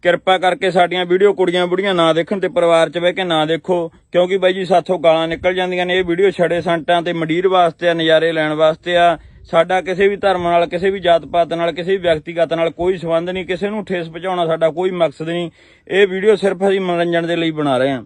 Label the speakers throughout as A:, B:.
A: ਕਿਰਪਾ ਕਰਕੇ ਸਾਡੀਆਂ ਵੀਡੀਓ ਕੁੜੀਆਂ ਬੁੜੀਆਂ ਨਾ ਦੇਖਣ ਤੇ ਪਰਿਵਾਰ 'ਚ ਬਹਿ ਕੇ ਨਾ ਦੇਖੋ, ਕਿਉਂਕਿ ਬਾਈ ਜੀ ਸਾਥੋਂ ਗਾਲਾਂ ਨਿਕਲ ਜਾਂਦੀਆਂ ਨੇ। ਇਹ ਵੀਡੀਓ ਛੜੇ ਸੰਟਾਂ ਤੇ ਮੰਡੀਰ ਵਾਸਤੇ ਆ, ਨਜ਼ਾਰੇ ਲੈਣ ਵਾਸਤੇ ਆ। ਸਾਡਾ ਕਿਸੇ ਵੀ ਧਰਮ ਨਾਲ, ਕਿਸੇ ਵੀ ਜਾਤ ਪਾਤ ਨਾਲ, ਕਿਸੇ ਵੀ ਵਿਅਕਤੀਗਤ ਨਾਲ ਕੋਈ ਸੰਬੰਧ ਨਹੀਂ। ਕਿਸੇ ਨੂੰ ਠੇਸ ਪਹੁੰਚਾਉਣਾ ਸਾਡਾ ਕੋਈ ਮਕਸਦ ਨਹੀਂ। ਇਹ ਵੀਡੀਓ ਸਿਰਫ ਅਸੀਂ ਮਨੋਰੰਜਨ ਦੇ ਲਈ ਬਣਾ ਰਹੇ ਹਾਂ।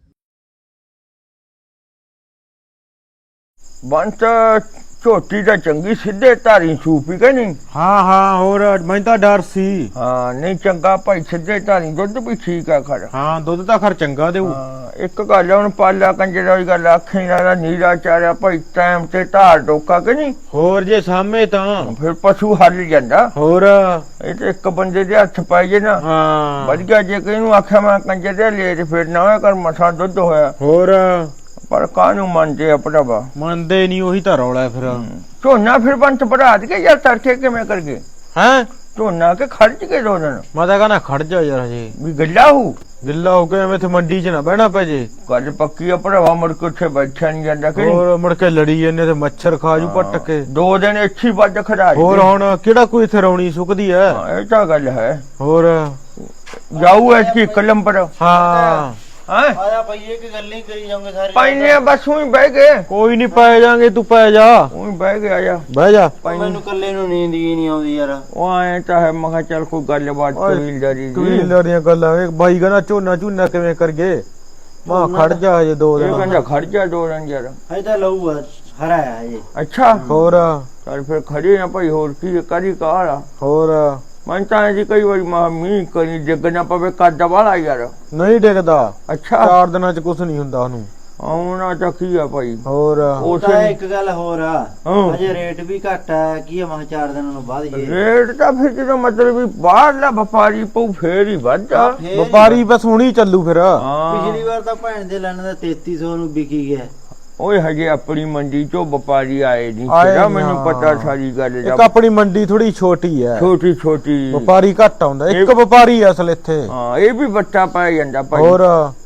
B: ਬੰਤ ਝੋਟੀ ਤਾਂ ਚੰਗੀ ਸਿੱਧੇ ਧਾਰੀ ਸੂਪੀ ਕਿ ਨਹੀਂ?
C: ਹਾਂ ਹੋਰ ਮੈਨੂੰ ਤਾਂ ਡਰ ਸੀ।
B: ਹਾਂ ਨਹੀਂ ਚੰਗਾ ਭਾਈ, ਸਿੱਧੇ ਧਾਰੀ ਦੁੱਧ ਵੀ ਠੀਕ ਆ ਖੜ।
C: ਹਾਂ ਦੁੱਧ ਤਾਂ ਖਰ ਚੰਗਾ ਦੇਊ।
B: ਇੱਕ ਗੱਲ ਹੁਣ ਪਾਲਾ ਕੰਜਰਾ ਦੀ ਗੱਲ ਆਖੀ ਨਾ, ਨੀਰਾ ਚਾਰਿਆ ਭਾਈ ਟਾਈਮ ਤੇ ਧਾਰ ਡੋਕਾ ਕਿ ਨਹੀਂ?
C: ਹੋਰ ਜੇ ਸਾਹਮਣੇ ਤਾਂ
B: ਫਿਰ ਪਸ਼ੂ ਹੱਲ ਜਾਂਦਾ।
C: ਹੋਰ
B: ਇਹ ਤੇ ਇੱਕ ਬੰਦੇ ਦੇ ਹੱਥ ਪਾਈ ਜੇ ਨਾ
C: ਹਾਂ
B: ਵਧੀਆ। ਜੇ ਕਿਹਨੂੰ ਆਖਿਆ ਮੈਂ ਕੰਜਰੇ ਲੈ ਤੇ ਫਿਰ ਨਾ ਕਰ ਮਸਾ ਦੁੱਧ ਹੋਇਆ।
C: ਹੋਰ
B: ਪਰ ਕਾਹਨੂੰ ਮੰਨਦੇ ਆ ਭਰਾਵਾ,
C: ਮੰਨਦੇ ਨਹੀਂ, ਉਹੀ ਤਾਂ ਰੌਲਾ ਫਿਰ।
B: ਝੋਨਾ ਫਿਰ ਬੰਤ ਭਰਾ ਕੇ ਯਾਰ ਤੜਕੇ ਕਿਵੇਂ ਕਰ ਗਏ?
C: ਹੈਂ
B: ਝੋਨਾ ਕੇ ਖਰਚ ਕੇ ਦੋ ਦਿਨ
C: ਮੈਂ ਤਾਂ ਕਹਿੰਦਾ ਖੜ ਜਾ ਯਾਰ, ਹਜੇ
B: ਵੀ ਗੱਲਾ ਹੂ
C: ਗਿੱਲਾ ਹੋ ਕੇ ਐਵੇਂ ਇੱਥੇ ਮੰਡੀ 'ਚ ਨਾ ਬਹਿਣਾ ਪੈ ਜੇ।
B: ਗੱਲ ਪੱਕੀ ਆ ਭਰਾਵਾ, ਮੁੜ ਕੇ ਉੱਥੇ ਬੈਠਿਆ ਨਹੀਂ ਜਾਂਦਾ ਕਿ
C: ਹੋਰ ਮੁੜ ਕੇ ਲੜੀ ਜਾਂਦੇ ਤੇ ਮੱਛਰ ਖਾ ਜੂ ਪੱਟ ਕੇ।
B: 2 ਦਿਨ ਅੱਛੀ ਵੱਜ ਖੜਾ
C: ਹੋਰ ਹੁਣ ਕਿਹੜਾ ਕੋਈ ਇੱਥੇ ਰੌਣੀ ਸੁੱਕਦੀ ਐ।
B: ਇਹ ਤਾਂ ਗੱਲ ਹੈ।
C: ਹੋਰ
B: ਜਾਊ ਐਸੀ ਕਲਮ ਪਰ
C: ਹਾਂ
B: ਹਾਂ
D: ਆਇਆ ਪਈਏ ਕਿ ਗੱਲ ਨਹੀਂ ਕਰੀ ਜਾਓਗੇ ਸਾਰੇ
B: ਪਾਈਨੇ ਬਸ ਉਹੀ ਬਹਿ ਗਏ।
C: ਕੋਈ ਨਹੀਂ ਪੈ ਜਾਾਂਗੇ, ਤੂੰ ਪੈ ਜਾ।
B: ਉਹੀ ਬਹਿ ਗਿਆ ਜਾ
C: ਬਹਿ ਜਾ।
D: ਮੈਨੂੰ ਕੱਲੇ ਨੂੰ ਨੀਂਦ ਹੀ ਨਹੀਂ ਆਉਂਦੀ ਯਾਰ।
B: ਉਹ ਆਏ ਤਾਂ ਹੈ, ਮੈਂ ਕਿਹਾ ਚੱਲ ਕੋਈ ਗੱਲਬਾਤ ਕਬੀਲਦਾਰੀ ਦੀ।
C: ਕਬੀਲਦਾਰ ਦੀਆਂ ਗੱਲਾਂ ਇਹ ਬਾਈ ਕਹਿੰਦਾ ਝੋਨਾ ਕਿਵੇਂ ਕਰਗੇ। ਮਾਂ ਖੜ ਜਾ ਹਜੇ 2
B: ਇਹ
C: ਦਿਨ।
B: ਕਹਿੰਦਾ ਖਰਚਾ 2 ਦਿਨ ਯਾਰ।
D: ਹਜੇ ਤਾਂ ਲਊ ਹਰਾ ਹੈ ਹਜੇ।
B: ਅੱਛਾ
C: ਹੋਰ
B: ਚੱਲ ਫਿਰ ਖੜੀ ਨਾ ਭਾਈ, ਹੋਰ ਕੀ ਕਰੀ ਕਾਲਾ।
C: ਹੋਰ
B: ਮੈਂ ਤਾਂ ਜੀ ਕਈ ਵਾਰੀ ਮੀਂਹ ਕਰੀ ਡਿੱਗ ਨਾ ਪਵੇ ਕੱਦ ਵਾਲਾ ਯਾਰ।
C: ਨਹੀਂ ਡਿੱਗਦਾ।
B: ਅੱਛਾ
C: 4 ਦਿਨਾਂ ਚ ਕੁਛ ਨਹੀਂ ਹੁੰਦਾ ਉਹਨੂੰ।
B: ਆਉਣਾ ਤਾਂ ਕੀ ਆ ਭਾਈ।
C: ਹੋਰ
D: ਉਹ ਤਾਂ ਇੱਕ ਗੱਲ ਹੋਰ ਆ,
B: ਹਾਂ।
D: ਹਜੇ ਰੇਟ ਵੀ ਘੱਟ ਆ। ਕੀ ਆ ਮੈਂ 4 ਦਿਨਾਂ ਨੂੰ ਬਾਅਦ ਜੇ
B: ਰੇਟ ਤਾਂ ਫਿਰ ਜਦੋਂ ਮਤਲਬ ਵੀ ਬਾਹਰਲਾ ਵਪਾਰੀ ਪਊ ਫੇਰ ਹੀ ਵੱਧਦਾ।
C: ਵਪਾਰੀ ਬਸ ਹੁਣੀ ਚੱਲੂ ਫਿਰ।
B: ਹਾਂ
D: ਪਿਛਲੀ ਵਾਰ ਤਾਂ ਭੈਣ ਦੇ ਲੈਣ ਦਾ 3300 ਨੂੰ ਵਿਕੀ ਗਿਆ।
B: ਓਏ ਹਜੇ ਆਪਣੀ ਮੰਡੀ ਚੋਂ ਵਪਾਰੀ ਆਏ ਨਹੀਂ
C: ਆਏ
B: ਤੇਰਾ
C: ਨੀ,
B: ਮੈਨੂੰ
C: ਹਾਂ।
B: ਪਤਾ ਸਾਰੀ ਗੱਲ
C: ਇੱਕ
B: ਦਾ।
C: ਆਪਣੀ ਮੰਡੀ ਥੋੜੀ ਛੋਟੀ ਐ,
B: ਛੋਟੀ ਛੋਟੀ
C: ਵਪਾਰੀ ਘੱਟ ਆਉਂਦਾ। ਇੱਕ ਵਪਾਰੀ ਆ ਅਸਲ ਇੱਥੇ।
B: ਹਾਂ ਇਹ ਵੀ ਬੱਚਾ ਪਾਇਆ ਜਾਂਦਾ ਭਾਈ।
C: ਹੋਰ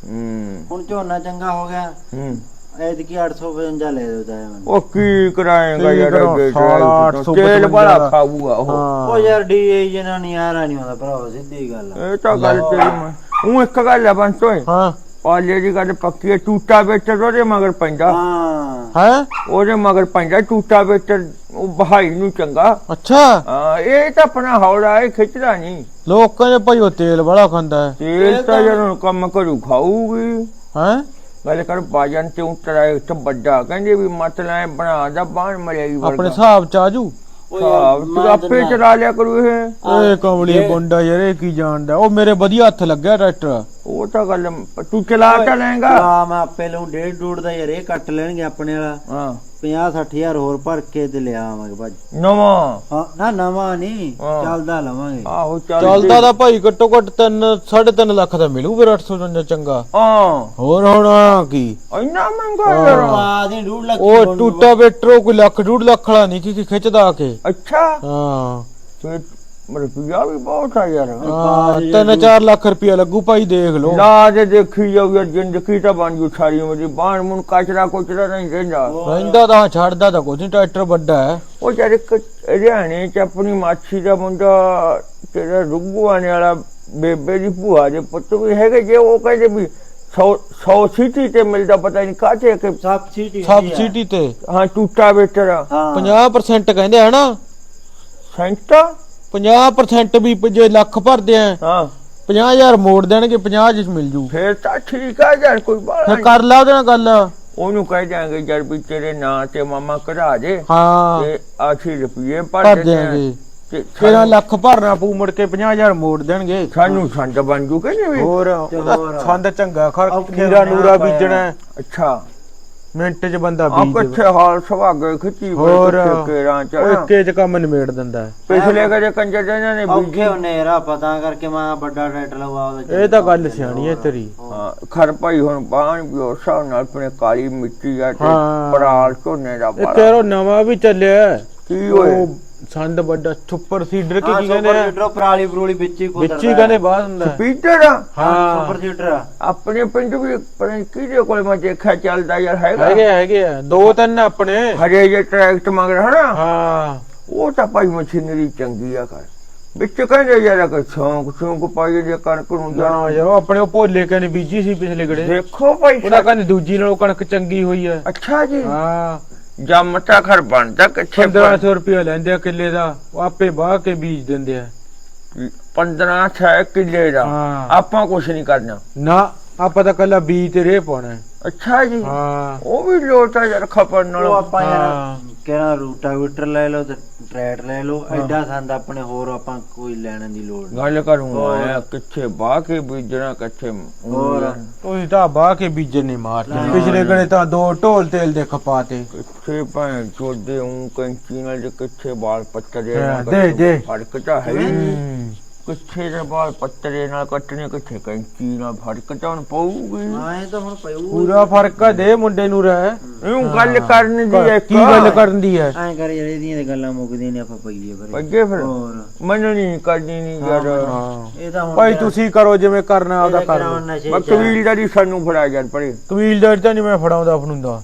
D: ਹੁਣ ਝੋਨਾ ਚੰਗਾ ਹੋ ਗਿਆ, ਐਤਕੀ 855 ਲੈ ਦਿੰਦਾ ਹੈ ਮੈਨੂੰ।
B: ਉਹ ਕੀ ਕਰਾਏਗਾ
C: ਕੀ
B: ਯਾਰ
C: ਕਰਾਂ,
B: ਅੱਗੇ
C: ਸਾਲਾ 855
B: ਤੇਲ ਵਾਲਾ ਖਾਊਗਾ ਉਹ।
D: ਉਹ ਯਾਰ ਡੀਏ ਜਨਾ ਨਹੀਂ ਆ ਨਹੀਂ ਆਉਂਦਾ ਭਰਾ, ਸਿੱਧੀ ਗੱਲ ਆ।
B: ਇਹ ਤਾਂ ਗੱਲ ਤੇਰੀ ਮੈਂ ਉਹ ਇੱਕ ਗੱਲ ਆ ਬੰਸ ਓਏ,
C: ਹਾਂ
B: ਪਾਲੇ ਦੀ ਗੱਲ ਪੱਕੀ ਹੈ। ਟੂਟਾ ਵੇਚਰ ਉਹਦੇ ਮਗਰ ਪੈਂਦਾ।
D: ਹਾਂ
C: ਹੈ
B: ਉਹਦੇ ਮਗਰ ਪੈਂਦਾ ਟੂਟਾ ਵੇਚਰ, ਉਹ ਬਹਾਈ ਨੂੰ ਚੰਗਾ।
C: ਅੱਛਾ
B: ਹਾਂ ਇਹ ਤਾਂ ਆਪਣਾ ਹੌਲਾ ਇਹ ਖਿੱਚਦਾ ਨਹੀਂ।
C: ਲੋਕਾਂ ਦੇ ਭਾਈ ਉਹ ਤੇਲ ਬੜਾ ਖਾਂਦਾ ਹੈ।
B: ਤੇਲ ਤਾਂ ਜਦੋਂ ਕੰਮ ਕਰੂ ਖਾਊਗੀ।
C: ਹੈ
B: ਗੱਲ ਕਰ ਬਾਜਨ ਤੇ ਉਤਰਾ ਇੱਕ ਵੱਡਾ ਕਹਿੰਦੇ ਵੀ ਮਤਲਬ ਬਣਾ ਦਾ ਬਾਣ ਮਰਿਆਈ
C: ਆਪਣੇ ਹਿਸਾਬ ਚ ਆਜੂ।
B: ਤੂੰ ਆਪੇ ਚਲਾ ਲਿਆ ਕਰੂ ਇਹ।
C: ਏ ਕਮਲੀ ਮੁੰਡਾ ਯਾਰ, ਇਹ ਕੀ ਜਾਣਦਾ। ਉਹ ਮੇਰੇ ਵਧੀਆ ਹੱਥ ਲੱਗਿਆ ਟਰੈਕਟਰ।
B: ਉਹ ਤਾਂ ਗੱਲ ਤੂੰ ਚਲਾ ਤਾਂ ਲੈਂਗਾ।
D: ਆ ਮੈਂ ਆਪੇ ਲਊ 1.5 ਦਾ ਯਾਰ। ਇਹ ਕੱਟ ਲੈਣਗੇ ਆਪਣੇ ਵਾਲਾ।
B: ਹਾਂ
D: 50-60 ਹੋਰ ਭਰ ਕੇ ਤੇ ਲਿਆ ਆਵਾਂਗੇ ਭਾਜੀ।
B: ਨਵਾਂ
D: ਹਾਂ ਨਾ ਨਵਾਂ ਨਹੀਂ,
B: ਹਾਂ।
D: ਚੱਲਦਾ ਲਵਾਂਗੇ।
B: ਆਹੋ
C: ਚੱਲਦਾ ਤਾਂ ਭਾਈ ਘੱਟੋ ਘੱਟ 3.5 ਲੱਖ ਦਾ ਮਿਲੂ ਫਿਰ 855 ਚੰਗਾ।
B: ਹਾਂ
C: ਹੋਰ ਹੁਣ ਕੀ
B: ਇੰਨਾ ਮਹਿੰਗਾ ਯਾਰ।
D: ਆ ਦੀ 2 ਲੱਖ
C: ਉਹ ਟੂਟਾ ਵੇਟਰੋ ਕੋਈ ਲੱਖ 1.5 ਲੱਖ ਵਾਲਾ ਨਹੀਂ ਕਿ ਖਿੱਚਦਾ ਆ ਕੇ।
B: ਅੱਛਾ
C: ਹਾਂ
B: ਤੇ ਰੁਪਿਆ ਵੀ ਬਹੁਤ ਆ ਯਾਰ।
C: ਹਾਂ 3-4 ਲੱਖ ਰੁਪਇਆ ਲੱਗੂ ਭਾਈ, ਦੇਖ ਲੋ।
B: ਲਾਜ ਦੇਖੀ ਜਾਊ ਯਾਰ, ਜ਼ਿੰਦਗੀ ਤਾਂ ਬਣ ਜੂ ਸਾਰੀ ਉਮਰ। ਬਾਣ ਮੁੰਨ ਕਚਰਾ ਕੁਚਰਾ ਨਹੀਂ ਰਹਿੰਦਾ।
C: ਰਹਿੰਦਾ ਤਾਂ ਛੱਡਦਾ ਤਾਂ ਕੁਝ ਨਹੀਂ, ਟਰੈਕਟਰ ਵੱਡਾ ਹੈ।
B: ਉਹ ਯਾਰ ਇੱਕ ਹਰਿਆਣੇ ਚ ਆਪਣੀ ਮਾਛੀ ਦਾ ਮੁੰਡਾ ਤੇਰਾ ਰੁੱਗੂਆਣੇ ਵਾਲਾ ਬੇਬੇ ਦੀ ਭੂਆ ਦੇ ਪੁੱਤ ਵੀ ਹੈਗੇ ਜੇ। ਉਹ ਕਹਿੰਦੇ ਵੀ 100 ਸੀਟੀ ਤੇ ਮਿਲਦਾ, ਪਤਾ ਨਹੀਂ ਕਾਹਤੇ ਕਿ
C: ਸਬਸਿਡੀ ਤੇ।
B: ਹਾਂ ਟੂਟਾ ਵੇਚਰ
C: 50% ਕਹਿੰਦੇ ਹੈ ਨਾ।
B: ਸੈਂਟਾ
C: 50% ਵੀ ਜੇ ਲੱਖ ਭਰਦੇ ਆ
B: ਹਾਂ
C: 50,000 ਮੋੜ ਦੇਣਗੇ, 50 ਚ ਮਿਲ ਜੂ।
B: ਫੇਰ ਤਾਂ ਠੀਕ ਆ ਯਾਰ, ਕੋਈ ਬਾਤ
C: ਫਿਰ ਕਰ ਲਾ ਉਹਦੇ ਨਾਲ ਗੱਲ।
B: ਉਹਨੂੰ ਕਹਿ ਦਿਆਂਗੇ ਯਾਰ ਵੀ ਤੇਰੇ ਨਾਂ ਤੇ ਮਾਮਾ ਕਢਾ ਦੇ
C: ਹਾਂ
B: ਤੇ 80 ਰੁਪਏ
C: ਭਰ
B: ਭਰ
C: ਦੇਣਗੇ।
B: ਤੇ
C: 13 ਲੱਖ ਭਰਨਾ ਪਊ, ਮੁੜ ਕੇ 50,000 ਮੋੜ ਦੇਣਗੇ।
B: ਸਾਨੂੰ ਸੰਦ ਬਣ ਜੂ ਕਹਿੰਦੇ ਵੀ।
C: ਹੋਰ ਸੰਦ ਚੰਗਾ ਖੀਰਾ ਨੂਰਾ ਬੀਜਣਾ।
B: ਅੱਛਾ
C: ਮਿੰਟ ਚ ਬੰਦਾ
B: ਆ
C: ਬੀਜ
B: ਕਿੱਥੇ ਹਾਲ ਸੁਭਾਗੇ ਖਿੱਚੀ
C: ਹੋਰ
B: ਕੇਰਾਂ ਚ
C: ਉਹ ਇੱਕੇ ਚ ਕੰਮ ਨਿਬੇੜ ਦਿੰਦਾ।
B: ਪਿਛਲੇ ਕਦੇ ਕੰਜਰ ਦੇ ਇਹਨਾਂ ਨੇ
D: ਔਖੇ ਹੁੰਨੇ ਰਾ ਪਤਾ ਕਰਕੇ ਮੈਂ ਵੱਡਾ ਟਰੈਕਟਰ ਲਵਾ ਉਹਦਾ।
C: ਇਹ ਤਾਂ ਗੱਲ ਸਿਆਣੀ ਹੈ ਤੇਰੀ।
B: ਹਾਂ ਖਰ ਭਾਈ ਹੁਣ ਬਾਣ ਵੀ ਉਸ ਹਿਸਾਬ ਨਾਲ ਆਪਣੇ ਕਾਲੀ ਮਿੱਟੀ ਆ ਤੇ
C: ਹਾਂ।
B: ਪਰਾਲ ਝੋਨੇ ਦਾ
C: ਇਹ
B: ਬੜਾ
C: ਤੇਰਾ ਨਵਾਂ ਵੀ ਚੱਲਿਆ
B: ਕੀ ਹੋਏ।
C: ਉਹ ਸੰਦ ਵੱਡਾ ਸੁਪਰ ਸੀਡਰ ਕੀ
D: ਹਾਂ
C: ਕਹਿੰਦੇ
D: ਸੁਪਰ
C: ਆ,
D: ਸੀਡਰ ਪਰਾਲੀ ਪਰੂਲੀ ਵਿੱਚ ਹੀ ਕੁਦਰਦਾ
C: ਵਿੱਚ ਹੀ ਕਹਿੰਦੇ ਬਾਹਰ ਹੁੰਦਾ।
B: ਪੀਟਰ
C: ਹਾਂ
D: ਸੁਪਰ ਸੀਡਰ
B: ਆਪਣੇ ਪਿੰਡ ਵੀ ਕਿਹਦੇ ਕੋਲ ਮੈਂ ਦੇਖਿਆ ਚੱਲਦਾ ਯਾਰ ਹੈਗਾ।
C: ਹੈਗੇ ਆ 2-3 ਆਪਣੇ।
B: ਹਰੇ ਜੇ ਟਰੈਕਟ ਮਗਰ ਹਨਾ।
C: ਹਾਂ
B: ਉਹ ਤਾਂ ਭਾਈ ਮਸ਼ੀਨਰੀ ਚੰਗੀ ਆ ਕਰ। ਵਿੱਚ ਕਹਿੰਦੇ ਯਾਰ ਕਿ ਸ਼ੌਂਕ ਪਾਈਏ ਜੇ ਕਣਕ ਨੂੰ
C: ਨਾ ਯਾਰ ਉਹ ਆਪਣੇ ਉਹ ਭੋਲੇ ਕਹਿੰਦੇ ਬੀਜੀ ਸੀ ਪਿਛਲੇ ਗੜੇ
B: ਦੇਖੋ ਭਾਈ
C: ਉਹਦਾ ਕਹਿੰਦੇ ਦੂਜੀ ਨਾਲੋਂ ਕਣਕ ਚੰਗੀ ਹੋਈ ਹੈ।
B: ਅੱਛਾ ਜੀ
C: ਹਾਂ
B: ਜੰਮ ਤਾਂ ਖਰ ਬਣਦਾ ਕਿੱਥੇ
C: 1500 ਰੁਪਇਆ ਲੈਂਦੇ ਆ ਕਿੱਲੇ ਦਾ, ਉਹ ਆਪੇ ਵਾਹ ਕੇ ਬੀਜ ਦਿੰਦੇ ਆ।
B: 15 ਕਿੱਲੇ ਦਾ
C: ਹਾਂ।
B: ਆਪਾਂ ਕੁਛ ਨਹੀਂ ਕਰਨਾ
C: ਨਾ ਆਪਾਂ ਤਾਂ ਕੱਲਾ ਬੀਜ ਤੇ ਰੇਹ ਪਾਉਣਾ ਹੈ।
B: ਅੱਛਾ ਜੀ
C: ਹਾਂ
B: ਉਹ ਵੀ ਲੋਟਾ ਯਾਰ ਖਪਣ ਨਾਲ
D: ਉਹ ਆਪਾਂ ਯਾਰ
C: ਹਾਂ।
D: ਕਿਹੜਾ ਰੂਟਾਵੀਟਰ ਲੈ ਲਓ ਤੇ ਟਰੈਟ ਲੈ ਲਓ, ਐਡਾ ਸੰਦ ਆਪਣੇ ਹੋਰ ਆਪਾਂ ਕੋਈ ਲੈਣ ਦੀ ਲੋੜ ਨਹੀਂ।
B: ਗੱਲ ਕਰੂੰ ਆਇਆ ਕਿੱਥੇ ਬਾਹ ਕੇ ਬੀਜਣਾ ਕਿੱਥੇ
D: ਹੋਰ
C: ਤੁਸੀਂ ਤਾਂ ਵਾਹ ਕੇ ਬੀਜਣ ਨਹੀਂ ਮਾਰਦੇ। ਪਿਛਲੇ ਗੜੇ ਤਾਂ 2 ਢੋਲ ਤੇਲ ਦੇ ਖਪਾਤੇ।
B: ਕਿੱਥੇ ਭਾਂ ਚੋਦੇ ਕੈਂਚੀ ਨਾਲ ਕਿੱਥੇ ਬਾਲ ਪੱਤਰੇ
C: ਹਾਂ, ਦੇ।
B: ਫਰਕ ਤਾਂ ਹੈ ਹੀ ਨਹੀਂ।
C: ਹੂੰ।
B: ਕਿੱਥੇ ਦੇ ਬਾਲ ਪੱਤਰੇ ਨਾਲ ਕੱਟਣੇ ਕਿੱਥੇ ਕੈਂਚੀ ਨਾਲ ਫਰਕ ਤਾਂ ਹੁਣ ਪਊਗੀ।
D: ਆਏ ਤਾਂ ਹੁਣ ਪਊ
C: ਪੂਰਾ ਫਰਕ ਆ ਦੇ ਮੁੰਡੇ ਨੂੰ ਰਹਿ।
B: ਇਹਨੂੰ ਗੱਲ ਕਰਨ ਦੀ ਹੈ
C: ਕੀ ਗੱਲ ਕਰਨ ਦੀ ਹੈ?
D: ਐਂ ਕਰ ਯਾਰ ਇਹਦੀਆਂ ਤੇ ਗੱਲਾਂ ਮੁੱਕਦੀਆਂ ਨੇ, ਆਪਾਂ ਪਈਏ ਫਿਰ
B: ਅੱਗੇ ਫਿਰ
D: ਹੋਰ
B: ਮੈਨੂੰ ਨਹੀਂ ਕਰਨੀ ਨਹੀਂ ਯਾਰ
C: ਹਾਂ
D: ਇਹ ਤਾਂ ਹੁਣ
C: ਭਾਈ ਤੁਸੀਂ ਕਰੋ ਜਿਵੇਂ ਕਰਨਾ ਆਪਦਾ ਕਰ ਲਓ।
B: ਮੈਂ ਕਬੀਲਦਾਰੀ ਸਾਨੂੰ ਫੜਾ ਯਾਰ ਪਰੇ
C: ਕਬੀਲਦਾਰ ਤਾਂ ਨਹੀਂ ਮੈਂ ਫੜਾਉਂਦਾ ਫੜੂੰਦਾ।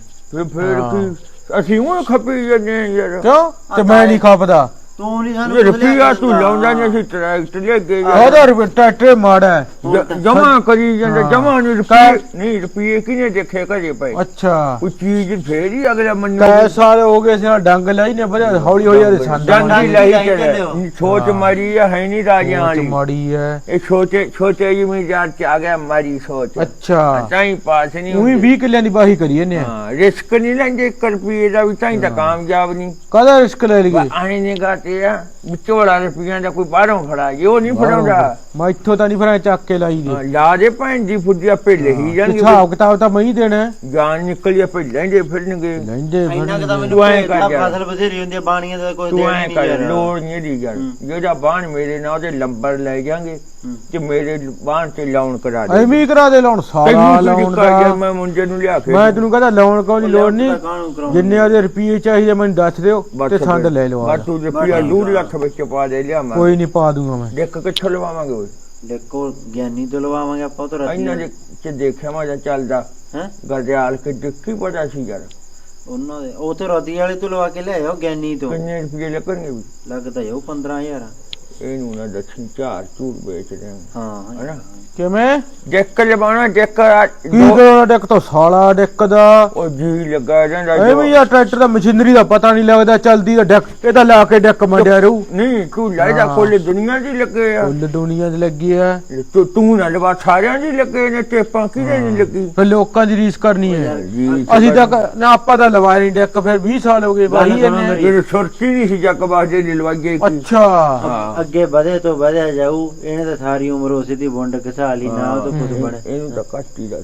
B: ਫਿਰ ਕੀ ਅਸੀਂ ਉਹ ਖਪੀ ਜਾਂਦੇ ਹਾਂ ਯਾਰ
C: ਕਿਉਂ ਤੇ ਮੈਂ ਨਹੀਂ ਖਪਦਾ।
D: ਤੂੰ ਨਹੀਂ ਸਾਨੂੰ
B: ਇਹ ਰੁਪਈਆ ਤੂੰ ਲਾਉਂਦਾ ਨਹੀਂ ਅਸੀਂ ਟਰੈਕਟਰ ਲੈ ਗਏ
C: ਉਹਦਾ ਟਰੈਕਟਰ ਮਾੜਾ ਹੈ।
B: ਜਮਾ ਕਰੀ ਜਾਂਦੇ
C: ਹਾਂ।
B: ਜਮਾ ਨਹੀਂ ਰੁਪਈਏ ਨਹੀਂ ਰੁਪਈਏ ਕਿਨੇ ਦੇਖੇ ਘਰੇ ਪਏ
C: ਅੱਛਾ
B: ਕੋਈ ਚੀਜ਼ ਫੇਰ ਹੀ ਅਗਲਾ ਮੰਨੂ
C: ਕਈ ਸਾਲ ਹੋ ਗਏ ਸੀ ਡੰਗ ਲਈ ਨੇ ਵਧਿਆ ਹੌਲੀ ਹੌਲੀ ਯਾਰ ਸੰਦ
B: ਡੰਗੀ ਲਾਈ
D: ਲਾਈ
B: ਚਲੇ
D: ਚੱਲੇ।
B: ਸੋਚ ਮਾਰੀ ਹੈ ਨਹੀਂ ਰਾਜਿਆਂ ਵਾਲੀ
C: ਮਾੜੀ ਹੈ।
B: ਇਹ ਛੋਟੇ ਜ਼ਿਮੀਦਾਰ ਚ ਆ ਗਿਆ ਮਾਰੀ ਸੋਚ
C: ਅੱਛਾ
B: ਤਾਂ ਹੀ ਪਾਸ ਨਹੀਂ
C: ਉਹੀ 20 ਕਿੱਲਿਆਂ ਦੀ ਬਾਹੀ ਕਰੀ ਇਹਨੇ।
B: ਹਾਂ ਰਿਸਕ ਨਹੀਂ ਲੈਂਦੇ 1 ਰੁਪਈਏ ਦਾ ਵੀ ਤਾਂ ਹੀ ਤਾਂ ਕਾਮਯਾਬ ਨਹੀਂ
C: ਕਾਹਦਾ ਰਿਸਕ ਲੈ ਲਈਏ?
B: ਆਏ ਨੇ ਗਾਤੇ ਆ ਵਿਚੋੜਾ ਰੁਪਈਆਂ ਦਾ ਕੋਈ ਬਾਹਰੋਂ ਫੜਾ ਜੇ ਉਹ ਨਹੀਂ ਫੜਾਉਂਦਾ
C: ਮੈਂ ਇੱਥੋਂ ਤਾਂ ਨਹੀਂ ਫਿਰ ਚੱਕ ਕੇ ਲਾਈ ਦੀ।
B: ਲਾ ਦੇ ਭੈਣ ਦੀ ਫੁੱਦੀ ਆਪੇ ਲਈ ਜਾਣਗੇ
C: ਹਿਸਾਬ ਕਿਤਾਬ ਤਾਂ ਮੈਂ ਹੀ ਦੇਣਾ ਹੈ।
B: ਜਾਨ ਨਿਕਲੀ ਆਪੇ ਲੈਂਦੇ ਫਿਰਨਗੇ
C: ਲੈਂਦੇ
D: ਇੰਨਾ ਕਿ ਤਾਂ ਮੈਨੂੰ
B: ਤੂੰ ਐਂ
D: ਭੇਜਦਾ,
B: ਕਰ ਯਾਰ।
D: ਫਸਲ ਬਥੇਰੀ ਹੁੰਦੀ ਆ, ਬਾਣੀਆਂ ਦਾ ਕੋਈ
B: ਤੂੰ
D: ਦੇਣ
B: ਐ
D: ਨਹੀਂ
B: ਕਰ
D: ਯਾਰ।
B: ਲੋੜ ਨਹੀਂ ਦੀ ਯਾਰ ਜਿਹੜਾ ਬਾਣ ਮੇਰੇ ਨਾਲ ਉਹਦੇ ਲੰਬਰ ਲੈ ਜਾਾਂਗੇ ਤੇ ਮੇਰੇ ਬਾਣ ਤੇ ਲਾਉਣ ਕਰਾ ਦੇ
C: ਐਵੇਂ ਹੀ ਕਰਾ ਦੇ ਲਾਉਣ ਸਾਰਾ
B: ਤੈਨੂੰ
C: ਲਾਉਣ
B: ਕਰ ਗਿਆ
C: ਦਾ।
B: ਮੈਂ ਮੁੰਡੇ ਨੂੰ ਲਿਆ ਕੇ
C: ਮੈਂ ਤੈਨੂੰ ਕਹਿੰਦਾ ਲਾਉਣ ਕੋਈ ਨੀ, ਲੋੜ ਨਹੀਂ।
D: ਕਾਹਨੂੰ ਕਰਾਉਣੀ?
C: ਜਿੰਨੇ ਉਹਦੇ ਰੁਪਏ ਚਾਹੀਦੇ ਮੈਨੂੰ ਦੱਸ ਦਿਓ ਤੇ ਸੰਦ ਲੈ ਲਓ।
B: ਬਸ ਤੂੰ ਰੁਪਿਆ 2 ਲੱਖ ਵਿੱਚ ਪਾ ਦੇ ਲਿਆ ਮੈਂ
C: ਕੋਈ ਨਹੀਂ ਪਾ ਦੂੰਗਾ ਮੈਂ।
B: ਦੇਖ ਕਿੱਥੋਂ ਲਵਾਵਾਂਗੇ ਓਏ
D: ਦੇਖੋ ਗਿਆਨੀ ਤੋਂ ਲਵਾਵਾਂਗੇ ਆਪਾਂ, ਉਹ ਤਾਂ
B: ਇਹਨਾਂ
D: ਰੱਜੀ
B: ਦੇ ਚ ਦੇਖਿਆ ਮੈਂ ਜਾਂ ਚੱਲਦਾ
D: ਹੈ
B: ਗਰਦਿਆਲ ਕੇ ਦੇਖੀ ਪਤਾ ਸੀ ਯਾਰ
D: ਉਹਨਾਂ ਦੇ ਉਹ ਤੇ ਰਤੀ ਵਾਲੇ ਤੋਂ ਲਵਾ ਕੇ ਲਿਆਓ ਗਿਆਨੀ ਤੋਂ।
B: ਕਿੰਨੇ ਰੁਪਏ ਲੱਗਣਗੇ ਵੀ
D: ਲੱਗਦਾ ਜਾਊ 15000।
B: ਇਹਨੂੰ ਨਾ ਦੱਸੀ 4 ਚੂਰ ਵੇਚ ਰਹੇ
D: ਹਾਂ
B: ਹਨਾ
C: ਕਿਵੇਂ
B: ਡੈਕ ਲਵਾਉਣਾ ਡੈਕ
C: ਕੀ ਕਰਾਉਣਾ ਡੈਕ ਤੋਂ ਸਾਲਾ ਡੈਕ ਦਾ?
B: ਉਹ ਜੀ ਲੱਗਾ ਰਹਿੰਦਾ
C: ਐਵੇਂ ਯਾਰ ਟਰੈਕਟਰ ਦਾ ਮਸ਼ੀਨਰੀ ਦਾ ਪਤਾ ਨਹੀਂ ਲੱਗਦਾ, ਚੱਲਦੀ ਦਾ ਡੈਕ ਇਹਦਾ ਲਾ ਕੇ ਡੈਕ ਮੰਡਿਆ ਰਹੂ।
B: ਨਹੀਂ ਤੂੰ ਲਾਇਦਾ ਕੋਲੇ ਦੁਨੀਆ ਦੀ ਲੱਗੇ ਆ
C: ਕੁੱਲ ਦੁਨੀਆ 'ਚ ਲੱਗੀ ਆ।
B: ਤੂੰ ਨਾ ਲਵਾ ਸਾਰਿਆਂ ਦੀ ਲੱਗੇ ਨੇ ਟੇਪਾਂ ਕਿਹਦੇ ਨਹੀਂ ਲੱਗੀ
C: ਫਿਰ ਲੋਕਾਂ ਦੀ ਰੀਸ ਕਰਨੀ ਹੈ।
B: ਜੀ
C: ਅਸੀਂ ਤਾਂ ਨਾ ਆਪਾਂ ਤਾਂ ਲਵਾਇਆ ਨਹੀਂ ਡੈਕ, ਫਿਰ 20 ਸਾਲ ਹੋ ਗਏ ਬਾਈ ਇਹਨੇ।
B: ਜਿਹੜੇ ਸੁਰਤੀ ਨਹੀਂ ਸੀ ਜੱਕ ਬਾਜੇ ਦੀ ਲਵਾਈਏ ਕੀ
C: ਅੱਛਾ
B: ਹਾਂ
D: ਅੱਗੇ ਵਧੇ ਤੋਂ ਵਧਿਆ ਜਾਊ, ਇਹਨੇ ਤਾਂ ਸਾਰੀ ਉਮਰ ਉਸੇ ਦੀ ਵੰਡ ਘਸਾ ਲਈ ਨਾ, ਉਹ ਤਾਂ ਕੁਝ ਬਣੇ।
B: ਇਹਨੂੰ ਤਾਂ ਕੱਟ ਹੀ ਦੱਸ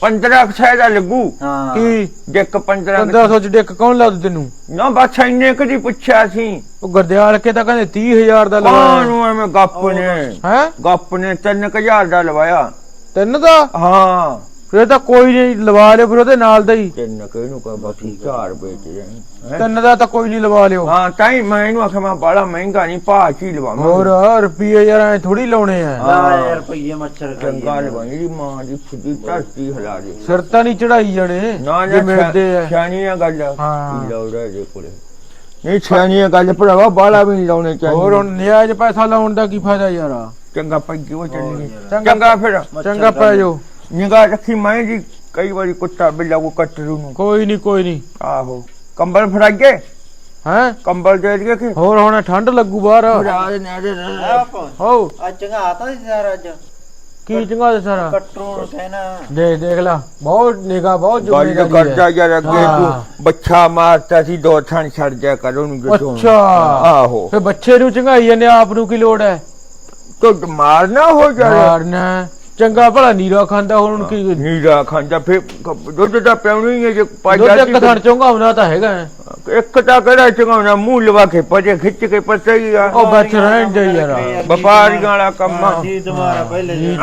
B: 1500 ਦਾ ਲੱਗੂ
D: ਹਾਂ
C: ਕੀ
B: ਡੈਕ 1500
C: 1500 ਚ ਡੈਕ ਕੌਣ ਲਾ ਦੂ ਤੈਨੂੰ?
B: ਨਾ ਬਸ ਇੰਨੇ ਕਦੀ ਪੁੱਛਿਆ ਸੀ
C: ਉਹ ਗਰਦਿਆਲ ਕੇ ਤਾਂ ਕਹਿੰਦੇ 30000 ਦਾ ਲਵਾਇਆ
B: ਕਾਹਨੂੰ ਐਵੇਂ ਗੱਪ ਨੇ
C: ਹੈ।
B: ਗੱਪ ਨੇ 3000 ਦਾ ਲਵਾਇਆ
C: ਤਿੰਨ ਦਾ?
B: ਹਾਂ
C: ਫਿਰ ਤਾਂ ਕੋਈ ਨਹੀਂ ਲਵਾ ਲਿਓ, ਫਿਰ ਉਹਦੇ ਨਾਲ ਦਾ ਹੀ।
B: ਤਿੰਨ ਕਿਹਨੂੰ ਕਹ ਬਾਕੀ 4 ਵੇਚ ਰਹੇ
C: ਤਿੰਨ ਦਾ ਤਾਂ ਕੋਈ ਨਹੀਂ ਲਵਾ ਲਿਓ।
B: ਹਾਂ ਤਾਂ ਹੀ ਮੈਂ ਇਹਨੂੰ ਆਖਿਆ ਮੈਂ ਬੜਾ ਮਹਿੰਗਾ ਨਹੀਂ ਭਾਅ ਚ ਹੀ ਲਵਾਵਾਂ
C: ਹੋਰ ਰੁਪਏ ਯਾਰ ਐ ਥੋੜੀ ਲਾਉਣੇ ਆ।
D: ਯਾਰ ਰੁਪਈਏ ਮੱਛਰ ਖਾਈ
B: ਚੰਗਾ ਲਵਾਈ ਦੀ ਮਾਂ ਦੀ ਫੁੱਦੀ ਧਰਤੀ ਹਿਲਾ ਦੇ
C: ਸਿਰ ਤਾਂ ਨਹੀਂ ਚੜਾਈ ਜਾਣੇ
B: ਨਾ
C: ਜੇ ਮਿਲਦੇ ਆ।
B: ਸਿਆਣੀਆਂ ਗੱਲ
C: ਹਾਂ।
B: ਲਾਉੜਾ ਜੇ ਕੋਲੇ ਨਹੀਂ ਸਿਆਣੀਆਂ ਗੱਲ ਭਰਾਵਾ ਬਾਲਾ ਵੀ ਨਹੀਂ ਲਾਉਣੇ ਚਾਹੀਦੇ
C: ਹੋਰ ਹੁਣ ਨਿਆਜ ਪੈਸਾ ਲਾਉਣ ਦਾ ਕੀ ਫਾਇਦਾ ਯਾਰ?
B: ਚੰਗਾ ਪੱਗੀ ਉਹ ਚੱਲੀ
C: ਚੰਗਾ।
B: ਚੰਗਾ ਫਿਰ
C: ਚੰਗਾ ਪੈ ਜਾਓ।
B: ਨਿਗਾਹ ਰੱਖੀ ਮੈਂ ਜੀ ਕਈ ਵਾਰੀ ਕੁੱਤਾ ਬਿੱਲਾ ਕੋ ਕੱਟਰੂ ਨੂੰ
C: ਕੋਈ ਨਹੀਂ
B: ਆਹੋ ਕੰਬਲ ਫੜਾਈਏ
C: ਹੈ।
B: ਕੰਬਲ ਦੇ ਦਈਏ ਕਿ
C: ਹੋਰ ਹੁਣ ਠੰਡ ਲੱਗੂ ਬਾਹਰ।
B: ਫੜਾ ਦੇ
C: ਹੋ
D: ਅੱਜ ਚੰਗਾ ਆਤਾ ਸੀ ਸਾਰਾ ਅੱਜ
C: ਕੀ ਚੰਗਾ ਸਾਰਾ
D: ਕੱਟਰੂ ਨੂੰ ਕਹਿਣਾ
C: ਦੇਖ ਲਾ ਬਹੁਤ ਨਿਗਾ ਬਹੁਤ
B: ਗੱਲ
C: ਜ਼ਿੰਮੇਵਾਰੀ
B: ਕਰਦਾ
C: ਹੈ।
B: ਯਾਰ ਅੱਗੇ
C: ਹਾਂ।
B: ਤੂੰ ਬੱਚਾ ਮਾਰਤਾ ਸੀ 2 ਥਾਂ ਛੱਡ ਜਾ ਕਰ ਉਹਨੂੰ ਜਦੋਂ
C: ਅੱਛਾ
B: ਆਹੋ
C: ਫੇ ਬੱਚੇ ਨੂੰ ਚੰਗਾਈ ਜਾਂਦੇ ਆਪ ਨੂੰ ਕੀ ਲੋੜ ਹੈ?
B: ਤੂੰ ਮਾਰਨਾ ਹੋ ਜਾਏ
C: ਮਾਰਨਾ ਚੰਗਾ ਭਲਾ ਨੀਰਾ ਖਾਂਦਾ ਹੁਣ ਕੀ
B: ਨੀਰਾ ਖਾਂਦਾ ਫੇ ਦੁੱਧ ਦਾ ਪਿਉਣੀ ਹੈ ਜੇ
C: ਦੁੱਧ
B: ਪਾਜਾ
C: ਇੱਕ ਥਣ ਚੰਗਾਉਣਾ ਤਾਂ ਹੈਗਾ।
B: ਇੱਕ ਤਾਂ ਕਿਹੜਾ ਚੰਗਾਉਣਾ ਮੂੰਹ ਲਵਾ ਕੇ ਪਜੇ ਖਿੱਚ ਕੇ ਪਤਾ ਹੀ ਆ
C: ਉਹ ਬੱਚ ਰਹਿਣ ਦੇ ਯਾਰ।
B: ਵਪਾਰੀਆਂ ਵਾਲਾ ਕੰਮ ਆ
D: ਜੀ ਤੁਹਾਡਾ ਪਹਿਲੇ
C: ਜੀ।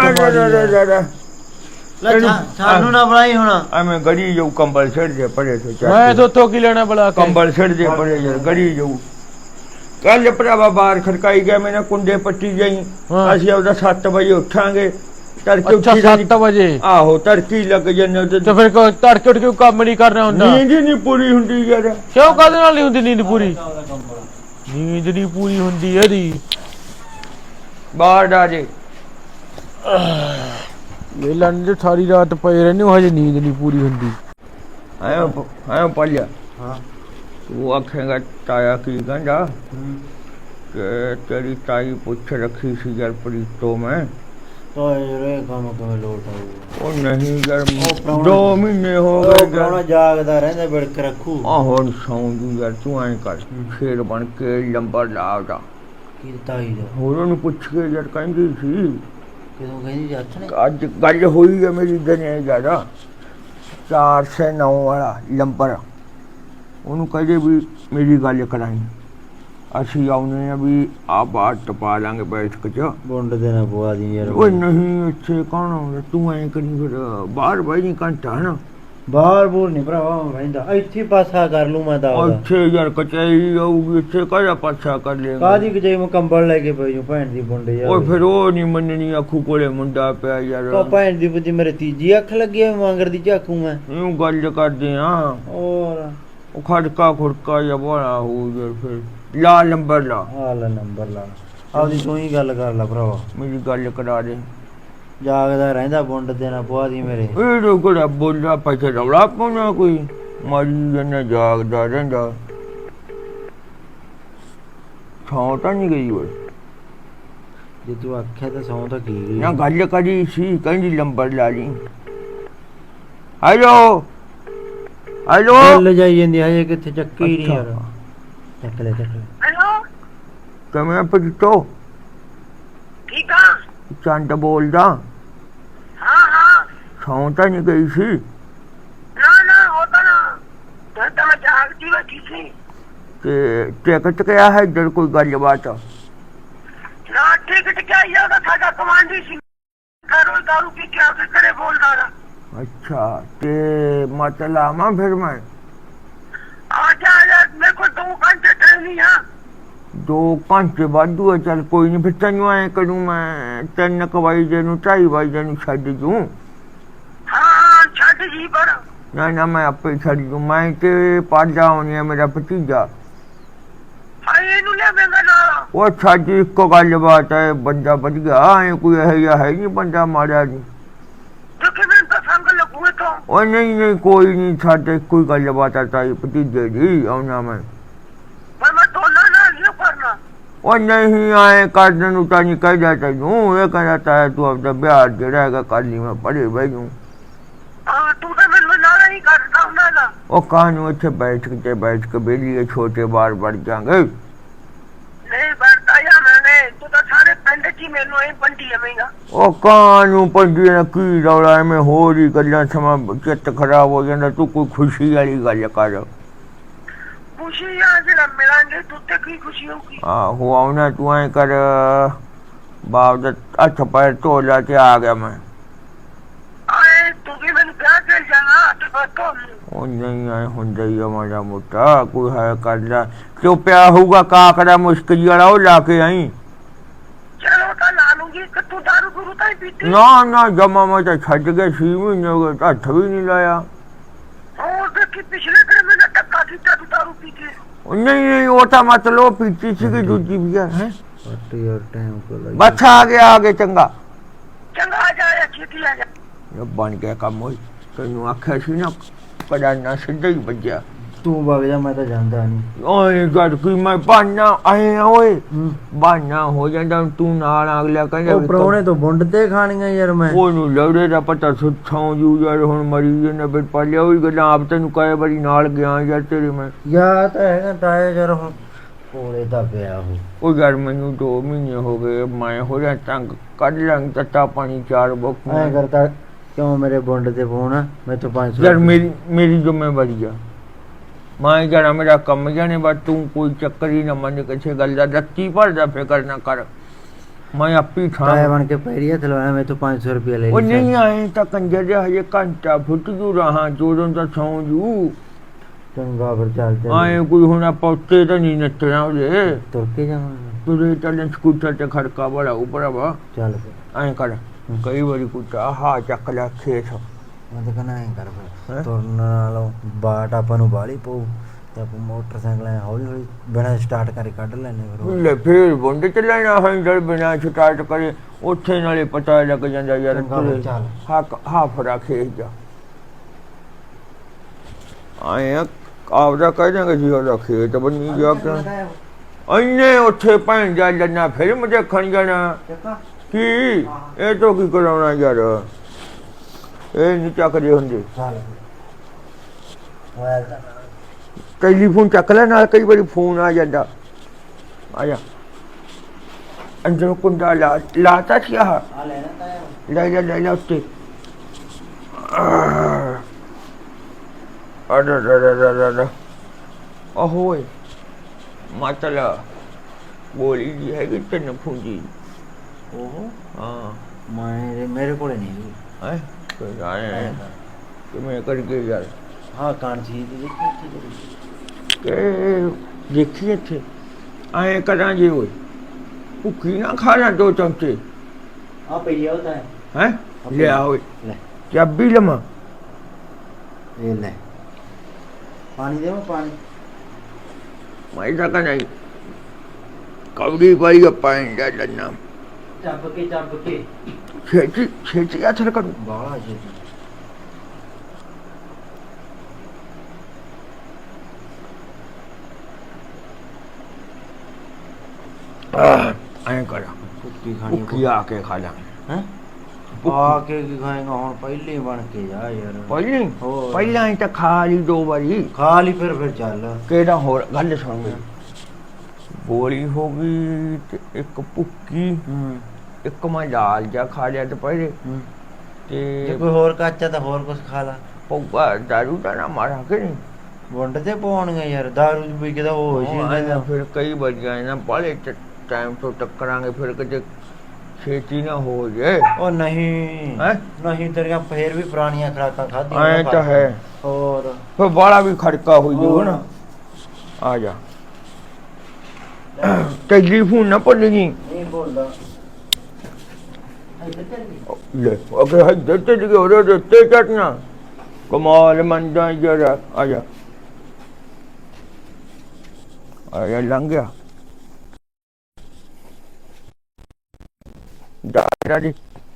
D: ਲੈ ਸਾਨੂੰ ਨਾ ਬਣਾਈ ਹੁਣ।
B: ਐਵੇਂ ਗੜੀ ਜਾਊ ਕੰਬਲ ਛੱਡ ਦੇ ਪਰੇ ਤੋਂ
C: ਮੈਂ ਤੋਂ ਕੀ ਲੈਣਾ ਬਲਾ ਕੇ?
B: ਕੰਬਲ ਛੱਡ ਦੇ ਪਰੇ ਯਾਰ ਗੜੀ ਜਾਊ ਕੱਲ ਭਰਾਵਾ ਬਾਹਰ ਖੜਕਾਈ ਗਿਆ ਮੈਨੇ ਕੁੰਡੇ ਪੱਟੀ ਗਈ
C: ਹਾਂ।
B: ਅਸੀਂ ਉਹਦਾ 7 ਵਜੇ ਉੱਠਾਂਗੇ ਤੜਕੇ
C: ਅੱਛਾ
B: ਉੱਠੀ
C: 7 ਵਜੇ
B: ਆਹੋ ਤੜਕੀ ਲੱਗ ਜੰਨੇ
C: ਤੇ ਫਿਰ ਤੜਕੇ ਉੱਠ ਕੇ ਕੰਮ ਨਹੀਂ ਕਰਨਾ ਹੁੰਦਾ?
B: ਨੀਂਦ ਹੀ ਨਹੀਂ ਪੂਰੀ ਹੁੰਦੀ ਯਾਰ
C: ਕਿਉਂ ਕਾਹਦੇ ਨਾਲ ਨਹੀਂ ਹੁੰਦੀ ਨੀਂਦ ਪੂਰੀ? ਨੀਂਦ ਨਹੀਂ ਪੂਰੀ ਹੁੰਦੀ ਇਹਦੀ।
B: ਬਾਹਰ ਆ ਜੇ
C: ਇਹ ਲੰਨ ਜੋ ਸਾਰੀ ਰਾਤ ਪਏ ਰਹਿੰਦੇ ਹੋ ਹਜੇ ਨੀਂਦ ਨਹੀਂ ਪੂਰੀ ਹੁੰਦੀ।
B: ਆਇਆ ਪੜਿਆ
D: ਹਾਂ
B: ਤੂੰ ਆਖੇਗਾ ਤਾਇਆ ਕੀ ਕਹਿੰਦਾ ਕਿ ਤੇਰੀ ਤਾਈ ਪੁੱਛ ਰੱਖੀ ਸੀ ਯਾਰ ਪ੍ਰੀਤੋਂ ਮੈਂ
D: ਤਾਂ ਇਹ ਕੰਮ ਕਿਵੇਂ ਲੋਟ ਆਊਗਾ?
B: ਉਹ ਨਹੀਂ ਯਾਰ
D: ਪ੍ਰਾਹੁਣਾ-
B: 2 ਮਹੀਨੇ ਹੋ
D: ਉਹ
B: ਗਏ
D: ਪ੍ਰਾਹੁਣਾ ਜਾਗਦਾ ਰਹਿੰਦਾ ਬਿੜਕ ਰੱਖੂ।
B: ਆਹੋ ਸੌਂ ਜੂ ਯਾਰ ਤੂੰ ਐਂ ਕਰ ਸ਼ੇਰ ਬਣ ਕੇ ਲੰਬਰ ਲਾ ਉਹਦਾ
D: ਕੀ ਤਾਈ ਦਾ
B: ਹੋਰ ਉਹਨੂੰ ਪੁੱਛ ਕੇ ਯਾਰ ਕਹਿੰਦੀ ਸੀ
D: ਕਿਦੋਂ ਕਹਿੰਦੀ ਜੱਟ ਨੇ?
B: ਅੱਜ ਗੱਲ ਹੋਈ ਹੈ ਮੇਰੀ ਦਨੇ ਜ਼ਿਆਦਾ 409 ਵਾਲਾ ਲੰਬਰ ਉਹਨੂੰ ਕਹਦੇ ਵੀ ਮੇਰੀ ਗੱਲ ਕਰਾਈ ਅਸੀਂ ਆਉਨੇ ਆ ਵੀ ਆ ਬਾਹਰ ਟਪਾ ਲਾਂਗੇ ਬੈਠਕ ਚ
D: ਬੁੰਡ ਦੇ ਨਾ ਪਵਾ ਦੀ ਯਾਰ।
B: ਓਏ ਨਹੀਂ ਇੱਥੇ ਕੌਣ ਆਉਂਦਾ ਤੂੰ ਐਂ ਕਰੀ ਫਿਰ ਬਾਹਰ ਬਹਿ ਨਹੀਂ ਘੰਟਾ ਹਨਾ
D: ਬਾਹਰ ਬੋਲ ਨਹੀਂ ਭਰਾਵਾ ਰਹਿੰਦਾ ਇੱਥੇ ਪਾਸਾ ਕਰ ਲੂ ਮੈਂ ਤਾਂ ਉਹਦਾ।
B: ਇੱਥੇ ਯਾਰ ਕਚਾਈ ਆਊਗੀ ਇੱਥੇ ਕਾਹਦਾ ਪਾਛਾ ਕਰ ਲੇਗਾ
D: ਕਾਦੀ ਕਿ ਜੇ ਮੈਂ ਕੰਬਲ ਲੈ ਕੇ ਪਈ ਜੂ ਭੈਣ ਦੀ ਬੁੰਡ ਯਾਰ।
B: ਓਏ ਫਿਰ ਉਹ ਨਹੀਂ ਮੰਨਣੀ ਅੱਖੂ ਕੋਲੇ ਮੁੰਡਾ ਪਿਆ ਯਾਰ
D: ਤਾਂ ਭੈਣ ਦੀ ਬੁੱਧੀ ਮੇਰੇ ਤੀਜੀ ਅੱਖ ਲੱਗੀ ਐ ਵਾਂਗਰ ਦੀ ਝਾਕੂ ਮੈਂ।
B: ਇਹਨੂੰ ਗੱਲ ਕਰਦੇ ਆ
D: ਹੋਰ
B: ਉਹ ਖੜਕਾ ਖੁੜਕਾ ਜਾਂ ਬੜਾ ਹੋ ਯਾਰ ਫਿਰ ਲਾ ਨੰਬਰ ਲਾ
D: ਆ ਲੈ ਨੰਬਰ ਲਾ ਆਪਦੀ ਤੂੰ ਹੀ ਗੱਲ ਕਰ ਲੈ ਭਰਾਵਾ।
B: ਮੇਰੀ ਗੱਲ ਕਰਾ ਦੇ
D: ਜਾਗਦਾ ਰਹਿੰਦਾ ਬੁੰਡ ਦੇ ਨਾ ਪਵਾ ਦੀ ਮੇਰੇ।
B: ਇਹ ਰੋਕੜਾ ਬੋਲਦਾ ਪੈਸੇ ਰੌਲਾ ਪਾਉਣਾ ਕੋਈ ਮਾਰੀ ਜਨਾ ਜਾਗਦਾ ਰਹਿੰਦਾ ਥਾਂ ਤਾਂ ਨਹੀਂ ਗਈ ਓਏ
D: ਜੇ ਤੂੰ ਆਖਿਆ ਤਾਂ ਸੌਂ ਤਾਂ ਕੀ ਗਈ।
B: ਨਾ ਗੱਲ ਕਰੀ ਸੀ ਕਹਿੰਦੀ ਨੰਬਰ ਲਾ ਲਈ ਹੈਲੋ ਹੈਲੋ
D: ਲੈ ਜਾਈ ਜਾਂਦੀ ਹਜੇ ਕਿੱਥੇ ਚੱਕੀ ਨਹੀਂ ਯਾਰ। ਚੱਕ ਲੈ
E: ਹੈਲੋ
B: ਕਿਵੇਂ ਪਜਟੋ
E: ਠੀਕ ਆ
B: ਚੰਦ ਬੋਲਦਾ
E: ਹਾਂ ਹਾਂ
B: ਸੌਂ ਤਾਂ ਨਹੀਂ ਗਈ ਸੀ
E: ਨਾ ਹੋਤਾ ਨਾ ਤਾਂ ਮੈਂ ਜਾਗਦੀ ਬੈਠੀ ਸੀ
B: ਤੇ ਟਿਕਟ ਕਿਆ ਹੈ ਇੱਧਰ ਕੋਈ ਗੱਲਬਾਤ
E: ਨਾ ਟਿਕਟ ਕਿਆ ਹੀ ਉਹਦਾ ਸਾਡਾ ਕਮਾਂਡੀ ਸੀ ਘਰੋਂ ਦਾਰੂ ਪੀ ਕੇ ਆ ਕੇ ਘਰੇ ਬੋਲਦਾ ਨਾ
B: ਅੱਛਾ ਤੇ ਮਤਲਬ ਆਵਾਂ ਫਿਰ ਮੈਂ
E: ਆ ਜਾ ਮੇਰੇ ਕੋਲ 2 ਘੰਟੇ ਟ੍ਰੇਨਿੰਗ ਆ
B: 2 ਘੰਟੇ ਵਾਧੂ ਆ ਚੱਲ ਕੋਈ ਨਹੀਂ ਫਿਰ ਤੈਨੂੰ ਐਂ ਕਰੂੰ ਮੈਂ 3 ਵਜੇ ਨੂੰ 2:30 ਵਜੇ ਨੂੰ ਛੱਡ ਦੂੰ
E: ਹਾਂ ਛੱਡ ਜੀ ਪਰ
B: ਨਾ ਮੈਂ ਆਪੇ ਛੱਡ ਦੂੰ ਮੈਂ ਤੇ ਪਾਜਾ ਹੋਣੀ ਆ ਮੇਰਾ ਭਤੀਜਾ
E: ਹਾਏ ਇਹਨੂੰ ਲੈ ਮੈਂਗਾ ਨਾਲ
B: ਉਹ ਸਾਡੀ ਇੱਕੋ ਗੱਲਬਾਤ ਹੈ ਬੰਦਾ ਵਧ ਗਿਆ ਐ ਕੋਈ ਇਹੋ ਜਿਹਾ ਹੈ ਨਹੀਂ ਬੰਦਾ ਮਾਰਿਆ ਨਹੀਂ
E: ਜੋ ਕਿ ਮੈਨੂੰ ਤਾਂ ਸੰਗ ਲੱਗੂਏ ਤੋਂ
B: ਉਹ ਨਹੀਂ ਕੋਈ ਨਹੀਂ ਸਾਡੇ ਕੋਈ ਗੱਲਬਾਤ ਆ ਤਾਈ ਭਤੀਜੇ ਦੀ ਆਉਣਾ ਮੈਂ
E: ਪਰ ਮੈਂ ਦੋਨਾਂ ਨਾਲ ਨਹੀਂ ਕਰਨਾ
B: ਉਹ ਨਹੀਂ ਆਏ ਕਰਨ ਨੂੰ ਤਾਂ ਨਹੀਂ ਕਹਿਦਾ ਤੈਨੂੰ ਇਹ ਕਹਿੰਦਾ ਤਾਂ ਤੂੰ ਆਪਦਾ ਵਿਆਹ ਜਿਹੜਾ ਹੈਗਾ ਕਰ ਲਈ ਮੈਂ ਪੜੇ ਬਹਿ ਜੂ
E: ਹਾਂ ਤੂੰ ਤਾਂ ਮੈਨੂੰ ਨਾਲ ਨਹੀਂ ਕਰਦਾ ਉਹਨਾਂ ਦਾ
B: ਉਹ ਕਾਹਨੂੰ ਇੱਥੇ ਬੈਠ ਕੇ ਬੇਲੀ ਛੋਟੇ ਬਾਰ ਵੜ ਜਾਾਂਗੇ
E: ਨਹੀਂ ਵਰਤਾ ਯਾਰ ਮੈਨੇ ਤੂੰ ਤਾਂ ਸਾਰੇ ਪਿੰਡ 'ਚ ਹੀ ਮੈਨੂੰ ਇਹ ਬੰਦੀ ਐਵੇਂਗਾ
B: ਉਹ ਕਾਹਨੂੰ ਪੰਜੀ ਨੇ ਕੀ ਰੌਲਾ ਐਵੇਂ ਹੋਰ ਹੀ ਗੱਲਾਂ ਸਮਾਂ ਚਿੱਤ ਖਰਾਬ ਹੋ ਜਾਂਦਾ ਤੂੰ ਕੋਈ ਖੁਸ਼ੀ ਵਾਲੀ ਗੱਲ ਕਰ
E: ਖੁਸ਼ੀ ਆ ਜਿਹੜਾ ਮਿਲਾਂਗੇ ਤੂੰ ਤੇ ਕੀ ਖੁਸ਼ੀ ਹੋਊਗੀ
B: ਆਹੋ ਆਉਣਾ ਤੂੰ ਐਂ ਕਰ ਬਾਪ ਦਾ ਹੱਥ ਪੈਰ ਧੋ ਲਾ ਤੇ ਆ ਗਿਆ ਮੈਂ
E: ਆਏ ਤੂੰ ਵੀ ਮੈਨੂੰ ਪਿਆਰ ਕਰ ਜਾਣਾ ਤੇ ਬਤੋ
B: ਉਹ ਨਹੀਂ ਆਏ ਹੁੰਦਾ ਹੀ ਆ ਮਾੜਾ ਮੋਟਾ ਕੋਈ ਹੈ ਕਰ ਲਾ ਕਿਉਂ ਪਿਆ ਹੋਊਗਾ ਕਾਕੜਾ ਮੁਸ਼ਕਲੀ ਵਾਲਾ ਉਹ ਲਾ ਕੇ ਆਈ
E: ਚਲੋ ਤਾਂ ਲਾ ਲੂੰਗੀ ਕਿ ਤੂੰ ਦਾਰੂ ਗੁਰੂ ਤਾਂ ਹੀ ਪੀਤੀ
B: ਨਾ ਜਮਾ ਮੈਂ ਤਾਂ ਛੱਡ ਕੇ 6 ਮਹੀਨੇ ਹੋ ਗਏ ਹੱਥ ਵੀ ਨਹੀਂ ਲਾਇਆ
E: ਹੋਰ ਦੇਖੀ ਪਿਛਲੇ ਦਿਨ ਮੈਨੇ ਟੱਕਾ ਕੀਤਾ ਤੂੰ ਦਾਰੂ ਪੀ ਕੇ
B: ਉਹ ਨਹੀਂ ਉਹ ਤਾਂ ਮਤਲਬ ਉਹ ਪੀਤੀ ਸੀਗੀ ਦੂਜੀ ਵੀ ਹੈ
D: ਕੱਟ ਯਾਰ ਟਾਈਮ ਕੋ ਲੱਗ
B: ਬਸ ਆ ਗਿਆ ਚੰਗਾ
E: ਚੰਗਾ ਆ ਜਾ ਛੇਤੀ ਆ ਜਾ
B: ਇਹ ਬਣ ਗਿਆ ਕੰਮ ਹੋਈ ਤੈਨੂੰ ਆਖਿਆ ਸੀ ਨਾ ਕੜਾ ਨਾ ਸਿੱਧਾ ਹੀ ਵੱਜਿਆ
D: ਤੂੰ ਵਗ ਜਾ ਮੈਂ ਤਾਂ ਜਾਂਦਾ ਨਹੀਂ।
B: ਓਏ ਗੱਲ ਕੀ ਮੈਂ ਬਾਨਾ ਆਏ ਓਏ ਬਾਨਾ ਹੋ ਜਾਂਦਾ ਤੂੰ ਨਾਲ ਅਗਲਾ ਕਹਿੰਦਾ
D: ਉਹ ਪ੍ਰਾਹੁਣੇ ਤੋਂ ਬੁੰਡ ਤੇ ਖਾਣੀਆਂ ਯਾਰ ਮੈਂ।
B: ਉਹਨੂੰ ਲੜੇ ਦਾ ਪਤਾ ਸੁੱਥਾਂ ਜੂ ਯਾਰ ਹੁਣ ਮਰੀ ਨੇ ਫਿਰ ਪਾਲਿਆ ਹੋਈ ਗੱਲਾਂ ਆਪ ਤੈਨੂੰ ਕਹੇ ਬੜੀ ਨਾਲ ਗਿਆ ਯਾਰ ਤੇਰੇ ਮੈਂ
D: ਯਾ ਤਾਂ ਹੈਗਾ ਤਾਇਆ ਯਾਰ ਹੁਣ ਕੋਲੇ ਦਾ ਪਿਆ
B: ਉਹ ਯਾਰ ਮੈਨੂੰ 2 ਮਹੀਨੇ ਹੋ ਗਏ ਮੈਂ ਹੋ ਰਿਹਾ ਤੰਗ ਕੱਢ ਲਾਂ ਤੱਤਾ ਪਾਣੀ 4 ਬੁੱਕ
D: ਐ ਕਰਦਾ ਕਿਉਂ ਮੇਰੇ ਬੁੰਡ ਤੇ ਫੋਨ ਮੈਂ ਤੋਂ 500
B: ਯਾਰ ਮੇਰੀ ਜ਼ਿੰਮੇਵਾਰੀ ਆ ਮੈਂ ਜਰਾ ਮੇਰਾ ਕੰਮ ਜਾਣੇ ਬਸ ਤੂੰ ਕੋਈ ਚੱਕਰ ਹੀ ਨਾ ਮੰਨ ਕਿਸੇ ਗੱਲ ਦਾ ਰੱਤੀ ਭਰਦਾ ਫਿਕਰ ਨਾ ਕਰ ਮੈਂ ਆਪੀ
D: ਤਾਇਆ
B: ਥਾਂ
D: ਬਣ ਕੇ ਪੈਰੀਆ ਥਲਵਾਇਆ ਮੈਂ ਤੋਂ 500 ਰੁਪਏ ਲੈ
B: ਉਹ
D: ਲਈ
B: ਨਹੀਂ ਆਏ ਤਾਂ ਕੰਜਰ ਦੇ ਹਜੇ ਘੰਟਾ ਫੁੱਟ ਜੂ ਰਹਾ ਜੋਦੋਂ ਤਾਂ ਸੌਂ ਜੂ
D: ਚੰਗਾ ਫਿਰ ਚੱਲ
B: ਆਏ ਕੋਈ ਹੁਣ ਆਪਾਂ ਉੱਤੇ ਤਾਂ ਨਹੀਂ ਨੱਚਣਾ ਉਹਦੇ
D: ਤੁਰ ਕੇ ਜਾਵਾਂਗੇ
B: ਤੁਰੇ ਚੱਲਣ ਸਕੂਟਰ ਤੇ ਖੜਕਾ ਬੜਾ ਉਪਰਵਾ
D: ਚੱਲ ਫਿਰ
B: ਐਂ ਕਰ ਕਈ ਵਾਰੀ ਕੁੱਤਾ ਹਾ ਚੱਕ ਲਿਆ ਖੇਤ
D: ਮੈਂ ਤਾਂ ਕਹਿੰਦਾ ਐਂ ਕਰ ਫਿਰ ਤੁਰਨ ਨਾਲੋਂ ਬਾਟ ਆਪਾਂ ਨੂੰ ਬਾਹਲੀ ਪਊ ਤੇ ਆਪਾਂ ਮੋਟਰਸਾਈਕਲ ਐਂ ਹੌਲੀ ਹੌਲੀ ਬਿਨਾਂ ਸਟਾਰਟ ਕਰੇ ਕੱਢ ਲੈਣੇ ਫਿਰ ਉਹ।
B: ਲੈ ਫੇਰ ਬੁੰਡ ਚ ਲੈਣਾ ਹੈਂਡਲ ਬਿਨਾ ਸਟਾਰਟ ਕਰੇ ਉੱਥੇ ਨਾਲੇ ਪਤਾ ਲੱਗ ਜਾਂਦਾ ਯਾਰ
D: ਚੰਗਾ ਬਈ ਚੱਲ।
B: ਹਾਫ ਰੱਖੇ ਜਾ ਆਏ ਆਪਦਾ ਕਹਿ ਜਾਂਗੇ ਜੀ ਉਹਦਾ ਖੇਤ ਬੰਨੀ ਜਾ ਕੇ ਇੰਨੇ ਉੱਥੇ ਭੈਣ ਜਾ ਲੰਨਾ ਫਿਲਮ ਦੇਖਣ ਜਾਣਾ ਕੀ ਇਹ ਤੋਂ ਕੀ ਕਰਾਉਣਾ ਯਾਰ ਇਹ ਨਹੀਂ ਚੱਕਦੇ ਹੁੰਦੇ
D: ਚੱਲ ਹੋਇਆ
B: ਟੈਲੀਫੋਨ ਚੱਕ ਲੈ ਨਾਲ ਕਈ ਵਾਰੀ ਫੋਨ ਆ ਜਾਂਦਾ ਆ ਜਾ ਅੰਦਰ ਕੁੰਡਾ ਲਾਤਾ ਸੀ ਆਹ
D: ਆ ਲੈਣਾ ਤਾਂ
B: ਲੈ ਲੈ ਉੱਤੇ ਅਰੇ ਓਏ ਮਾਤਲਾ ਗੋਲੀ ਜੀ ਹੈਗੀ ਤੈਨੂੰ ਫੂੰਜੀ
D: ਉਹ
B: ਹਾਂ
D: ਮੇਰੇ ਕੋਲੇ ਨਹੀਂ
B: ਹੈ ਕੋਈ ਆਏ ਕਿਵੇਂ ਕਰਕੇ ਯਾਰ
D: ਹਾਂ ਕਾਣ ਸੀ ਦੀ ਦੇਖੀ
B: ਕਿ ਦੇਖੀ ਇੱਥੇ ਆਏ ਕਰਾਂ ਜੀ ਓਏ ਭੁੱਖੀ ਨਾ ਖਾਣਾ 2 ਚਮਚੇ
D: ਆ ਪਈ ਆ ਉਹਦਾ
B: ਹੈ ਲਿਆ ਓਏ
D: ਲੈ
B: ਚਾਬੀ ਲਮਾ
D: ਇਹ ਲੈ ਪਾਣੀ ਦੇਵਾਂ ਪਾਣੀ
B: ਮੈਂ ਤਾਂ ਕਹਿੰਦਾ ਕੌੜੀ ਪਾਈ ਪਾਣੀ ਦਾ ਲੰਨਾ
D: ਚੱਬ ਕੇ
B: ਛੇਤੀ ਹੱਥ ਕਰੂ
D: ਬਾਹਲਾ ਜੀ
B: ਐਂ ਕਰ
D: ਕੁੱਤੀ ਖਾਣੀ
B: ਭੁੱਖੀ ਆ ਕੇ ਖਾ ਲਾਂ
D: ਹੈ ਆ ਕੇ ਕੀ ਖਾਏਗਾ ਹੁਣ ਪਹਿਲੇ ਹੀ ਬਣ ਕੇ ਜਾ ਯਾਰ ਹੋਰ।
B: ਪਹਿਲਾਂ ਹੀ ਤਾਂ ਖਾ ਲਈ 2 ਵਾਰੀ
D: ਖਾ ਲਈ ਫਿਰ ਚੱਲ
B: ਕਿਹੜਾ ਹੋਰ ਗੱਲ ਸੁਣ ਮੇਰੀ ਗੋਲੀ ਹੋ ਗਈ ਤੇ ਇੱਕ ਭੁੱਕੀ ਇੱਕ ਮੈਂ ਦਾਲ ਜਾ ਖਾ ਲਿਆ ਦੁਪਹਿਰੇ
D: ਜੇ
B: ਤੇ
D: ਕੋਈ ਹੋਰ ਕੱਚਾ ਤਾਂ ਹੋਰ ਕੁਝ ਖਾ ਲਾ
B: ਪਊਗਾ ਦਾਰੂ ਤਾਂ ਨਾ ਮਾਰਾ ਕਿ ਨਹੀਂ
D: ਵੰਡ ਤੇ ਪਾਉਣਗੇ ਯਾਰ ਦਾਰੂ ਦੀ ਪੀ ਕੇ ਤਾਂ ਉਹ ਹੋ
B: ਆਏਂ ਫਿਰ ਕਈ ਵਜੇ ਨਾ ਬਾਲੇ ਟਾਈਮ ਤੋਂ ਟੱਕਰਾਂਗੇ ਫਿਰ ਕਿਤੇ ਛੇਤੀ ਨਾ ਹੋ ਜਾਏ
D: ਉਹ ਨਹੀਂ
B: ਹੈਂ?
D: ਨਹੀਂ ਤੇਰੀਆਂ ਫੇਰ ਵੀ ਪੁਰਾਣੀਆਂ ਖਰਾਕਾਂ ਖਾਧੀਆਂ
B: ਐਂ ਤਾਂ ਹੈ
D: ਹੋਰ
B: ਫਿਰ ਬਾਲਾ ਵੀ ਖੜਕਾ ਹੋਈ ਜਾਊ ਨਾ ਆ ਜਾ ਟੈਲੀਫੋਨ ਨਾ ਭੁੱਲ ਜੀ
D: ਨਹੀਂ ਬੋਲਦਾ ਇੱਧਰ ਚੱਲ ਗਈ
B: ਲੈ ਅਗੇ ਹੱਦ ਤੇ ਜੀ ਉਹਦੇ ਉੱਤੇ ਚੜਨਾ ਕਮਾਲ ਮੰਦਾ ਜਰਾ ਆ ਜਾ ਲੰਘ ਗਿਆ ਦਾਦੀ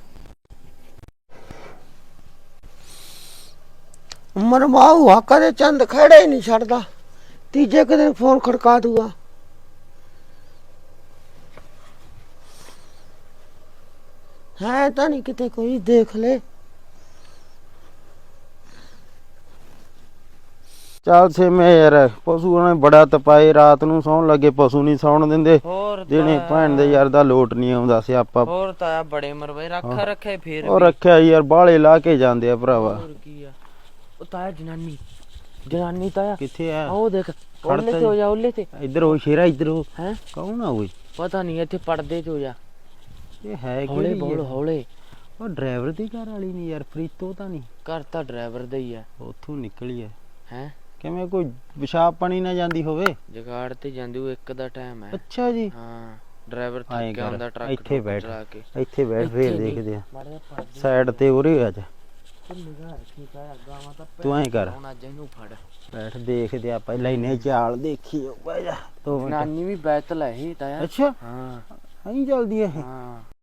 F: ਮਰਮਾ ਹੁਆ ਕਦੇ ਚੰਦ ਖੜੇ ਹੀ ਨਹੀਂ ਛੱਡਦਾ ਤੀਜੇ ਕੁ ਦਿਨ ਫੋਨ ਖੜਕਾ ਦੂਗਾ ਹੈ ਤਾਂ ਨਹੀਂ ਕਿਤੇ ਕੋਈ ਦੇਖ ਲੈ
G: ਚੱਲ ਸਿਮੇ ਯਾਰ ਪਸ਼ੂ ਨੇ ਬੜਾ ਤਪਾਏ ਰਾਤ ਨੂੰ ਸੌਣ ਲੱਗੇ ਪਸ਼ੂ ਨਹੀਂ ਸੌਣ ਦਿੰਦੇ
H: ਹੋਰ
G: ਜਿਹਨੇ ਭੈਣ ਦੇ ਯਾਰ ਦਾ ਲੋਟ ਨਹੀਂ ਆਉਂਦਾ ਸਿਆਪਾ
H: ਹੋਰ ਤਾਂ ਬੜੇ ਮਰਵੇ ਰੱਖਾ ਰੱਖੇ ਫੇਰ
G: ਉਹ ਰੱਖਿਆ ਯਾਰ ਬਾਹਲੇ ਲਾ ਕੇ ਜਾਂਦੇ ਆ ਭਰਾਵਾ
H: ਹੋਰ ਕੀ ਆ ਉਹ ਤਾਂ ਜਨਾਨੀ ਤਾਂ
G: ਕਿੱਥੇ ਆ
H: ਉਹ ਦੇਖ ਉਹਲੇ ਤੇ ਹੋ ਜਾ ਉਹਲੇ ਤੇ
G: ਇੱਧਰ ਉਹ ਸ਼ੇਰਾ ਇੱਧਰ ਉਹ
H: ਹੈ
G: ਕੌਣ ਆ ਓਏ
H: ਪਤਾ ਨਹੀਂ ਇੱਥੇ ਪੜਦੇ ਚ ਹੋ ਜਾ
G: ਇਹ ਹੈ
H: ਹੌਲੇ
G: ਕਿਹੜੀ
H: ਬੋਲ
G: ਆ?
H: ਹੌਲੇ
G: ਉਹ ਡਰਾਈਵਰ ਦੀ ਘਰ ਵਾਲੀ ਨਹੀਂ ਯਾਰ ਫਰੀਤੋ ਤਾਂ ਨਹੀਂ
H: ਘਰ ਤਾਂ ਡਰਾਈਵਰ ਦਾ ਹੀ ਆ
G: ਉੱਥੋਂ ਨਿਕਲੀ ਐ
H: ਹੈ
G: ਕਿਵੇਂ ਕੋਈ ਪਿਸ਼ਾਬ ਪਾਣੀ ਨਾ ਜਾਂਦੀ ਹੋਵੇ
H: ਜਗਾੜ ਤੇ ਜਾਂਦੀ ਉਹ ਇੱਕ ਦਾ ਟਾਈਮ ਹੈ
G: ਅੱਛਾ ਜੀ
H: ਹਾਂ ਡਰਾਈਵਰ
G: ਆਏਂ
H: ਥੱਕਿਆ ਹੁੰਦਾ
G: ਕਰ
H: ਟਰੱਕ
G: ਇੱਥੇ ਬੈਠ
H: ਚਲਾ ਕੇ
G: ਇੱਥੇ ਬੈਠ ਫੇਰ
H: ਇੱਥੇ ਨੀ।
G: ਦੇਖਦੇ ਆ
H: ਮਾੜਾ ਜਿਹਾ ਪੜਦੇ
G: ਸਾਈਡ ਤੇ ਉਰੇ ਆ ਜਾ
H: ਨਿਗਾਹ ਰੱਖੀ ਕਾ ਗਾਵਾਂ ਤਾਂ
G: ਤੂੰ ਐਂ ਕਰ
H: ਹੁਣ ਅੱਜ ਇਹਨੂੰ ਫੜ
G: ਬੈਠ ਦੇਖਦੇ ਆ ਪਹਿਲਾਂ ਇਹਨੇ ਚਾਲ ਦੇਖੀ ਬਹਿ ਜਾ 2 ਮਿੰਟ
H: ਨਾਨੀ ਵੀ ਬੈਤਲ ਹੈ ਇਹ ਤਾਂ ਯਾਰ
G: ਅੱਛਾ
H: ਹਾਂ
G: ਐਂ ਚੱਲਦੀ ਐ ਇਹ
H: ਹਾਂ